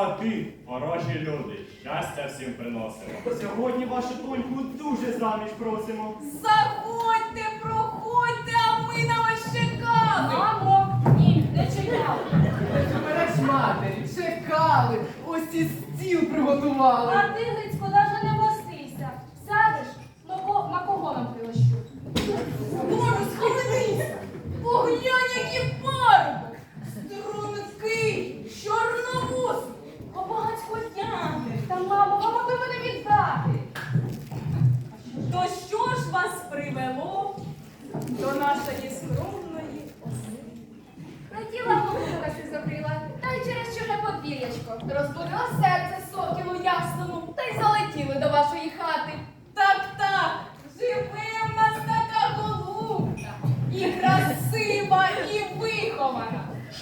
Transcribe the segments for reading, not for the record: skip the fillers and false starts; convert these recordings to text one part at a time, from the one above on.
свати, хороші люди, щастя всім приносимо. Сьогодні вашу доньку дуже заміж просимо. Заходьте, проходьте, а ми на вас чекали. Мамо, ні, не чекали. Береш матері, чекали, ось і стіл приготували. А ти, Грицько, даже не мостися. Сядеш, на кого нам прилощу? Боже, схаменися! Поглянь, який парубок! Стрункий, чорновус, побагацькотяний. Та, мамо, ви могли мене віддати. То що ж вас привело до нашої скромної оселі? Хотіла голубка си закрила, та й через чуже подвір'ячко. Розбудило серце сокілу ясному, та й залетіли до вашої хати. Так, живе в нас така голубка, і красива, і вихована.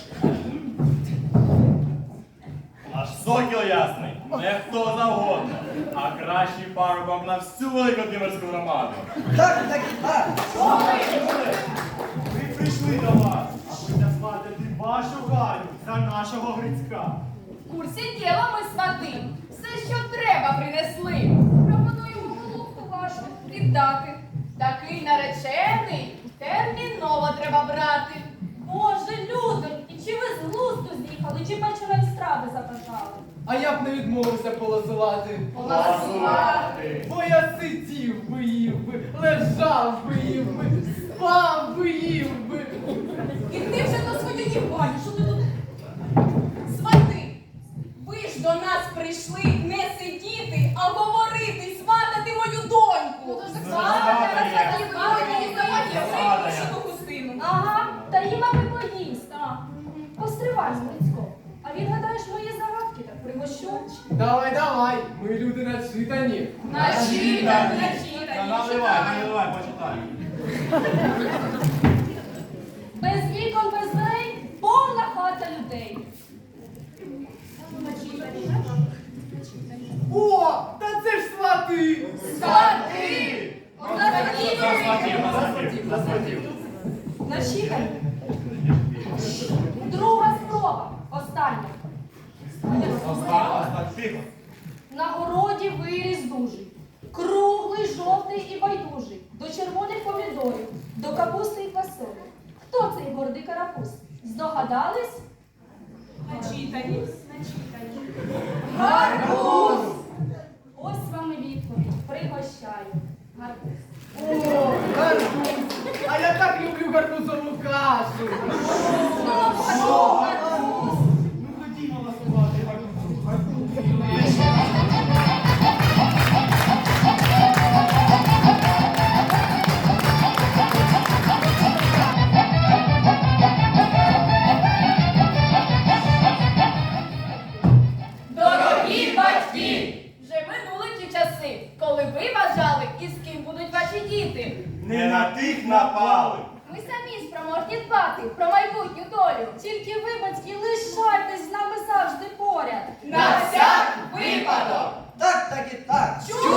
Аж сокіл ясний, не хто завгодно, а кращий парубок на всю Великодимирську громаду. Так, так і так. Ми прийшли до вас, аби назвати вашу Галю за нашого Грицька. В курсі діла ми свати, все, що треба, принесли. Пропонуємо голубку вашу віддати. Такий наречений терміново треба брати. Боже, людоньки, чи ви з глузду з'їхали, чи печеної страви забажали? А я б не відмовився полосувати. Поласувати. Бо я сидів би, їв би, лежав би, їв би, спав би, їв би. І ти вже до своєї Гані, що ти тут? Свати, ви ж до нас прийшли не сидіти, а говорити, сватати мою доньку. Ага, та їм аби поїсть. Постривай, Грицько. А він, гадаєш, мої загадки так пригощу? Давай, ми люди начитані. Начитані, Наливай, почитай. Без вікон, без дверей, повна хата людей. О, та це ж свати! Свати! Начитані. Друга спроба, остання. Тихо. На городі виріс дужий, круглий, жовтий і байдужий, до червоних помідорів, до капусти і фасолі. Хто цей гордий карапуз? Здогадались? Начитані. Гарбуз! Ось вам і відповідь. Пригощаю. Гарбуз. О, гарбуз! А я так люблю гарбузову кашу! Ну ходімо ласувати гарбузу. Дорогі батьки! Вже минули ті часи, коли ви вважали, і з ким будуть ваші діти. Не на тих напали. Ми самі спроможні дбати про майбутню долю. Тільки ви, батьки, лишайтесь з нами завжди поряд. На всяк випадок! Так, так і так. Чули?